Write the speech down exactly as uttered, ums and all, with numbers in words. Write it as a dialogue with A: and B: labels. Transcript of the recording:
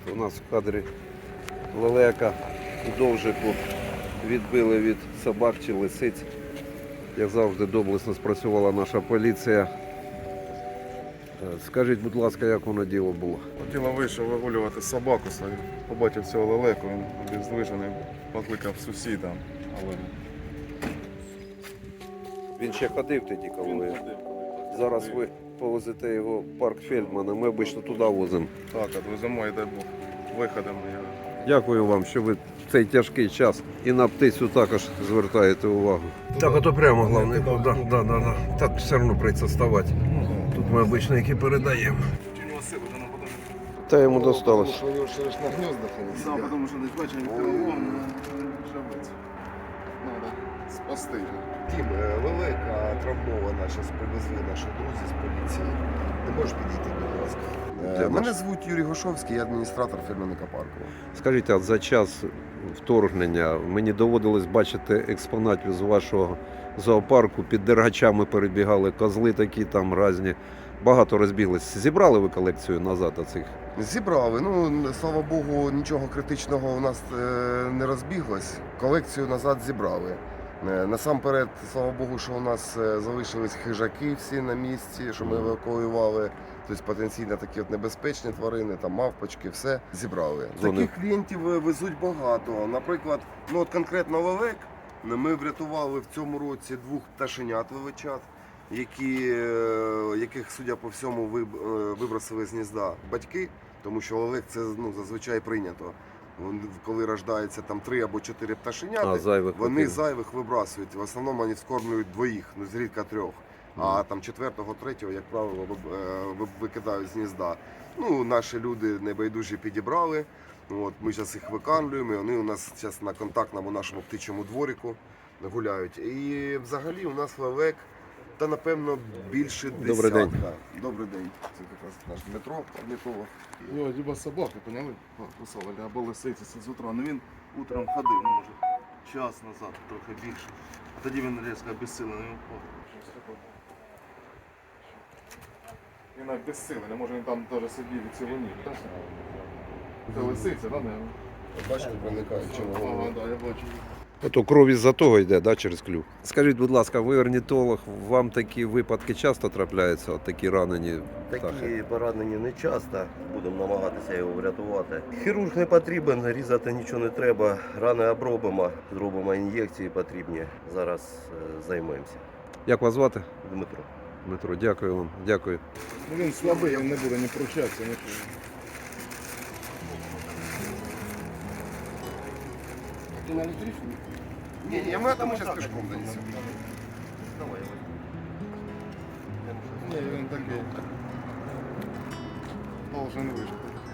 A: У нас в кадрі лелека у довжику відбили від собак чи лисиць. Як завжди, доблесно спрацювала наша поліція. Скажіть, будь ласка, як воно діло було?
B: Діло вийшов вигулювати собаку свою. Побачив цього лелеку, він обездвижений, покликав сусіда. Але
A: Він ще ходив тоді, коли ви. Зараз ви повезете його в парк Фельдмана, ми обично туди возимо.
B: так, відвеземо і дай Бог виходимо.
A: Дякую вам, що ви в цей тяжкий час і на птицю також звертаєте увагу. Так, ото прямо головне. Да, да, да, да. Так все одно прийдеться ставати. Тут ми обично які передаємо. Та йому досталось.
C: Потому что у него же на гнездах они
B: Да,
C: сидят.
B: потому що десь бачить перелом, жабець. Надо спасти.
C: Тім, е, лелека травмована, зараз привезли наші друзі з поліції. Не можеш підійти, будь ласка. Е,
A: Де
C: Мене
A: наш?
C: звуть Юрій Гошовський, я адміністратор фермерника парку.
A: Скажіть, а за час вторгнення мені доводилось бачити експонатів з вашого зоопарку. Під дергачами перебігали козли такі там різні. Багато розбіглись. Зібрали ви колекцію назад оцих?
C: Зібрали. Ну, слава Богу, нічого критичного у нас е, не розбіглось. Колекцію назад зібрали. Е, Насамперед, слава Богу, що у нас е, залишились хижаки всі на місці, що ми евакуювали. Тобто потенційно такі от небезпечні тварини, там мавпочки, все зібрали.
A: Вони-
C: Таких клієнтів е, везуть багато. Наприклад, ну от конкретно лелек ми врятували в цьому році двох пташенят величат, які, е, яких, судя по всьому, виб- е, вибросили з гнізда батьки, тому що лелек це ну, зазвичай прийнято. Вон, коли рождається там три або чотири пташеняти,
A: А, зайвих
C: вони
A: потрібно.
C: зайвих вибрасують. В основному вони вскормлюють двоїх, ну зрідка трьох. А там четвертого, третього, як правило, виб- е, ви- викидають з гнізда. Ну, наші люди небайдужі підібрали. От, ми зараз їх викармлюємо, і вони у нас зараз на контактному нашому птичому дворику гуляють. І взагалі у нас лелек, та напевно більше десятка.
A: Добрий день.
C: Добрий день. Це якраз наш Дмитро, орнітолог.
B: Його либо собаки, поняли, кусали, або лисиці з утра. Ну він утром ходив, ну, може, час назад, трохи більше. А тоді він різко обезсилений упав. Він обезсилений, може він там теж сидів і цілу ніч, так? Це лисиця, так?
C: Бачите, проникають чого.
B: Ага, так, я бачу.
A: Ото кров із-за того йде, да, через клюв. Скажіть, будь ласка, ви орнітолог, вам такі випадки часто трапляються, от такі ранені птахи?
D: Такі поранені не часто, будемо намагатися його врятувати. Хірург не потрібен, різати нічого не треба. Рани обробимо, зробимо ін'єкції потрібні. Зараз е, займемося.
A: Як вас звати?
D: Дмитро.
A: Дмитро, дякую вам, дякую.
B: Ну він слабий, він не буде ні пручатися, нічого.
C: Ти на електричну? Ні, ні, ми там зараз пішком донесемо.
B: Ні, він такий. Должен вижити.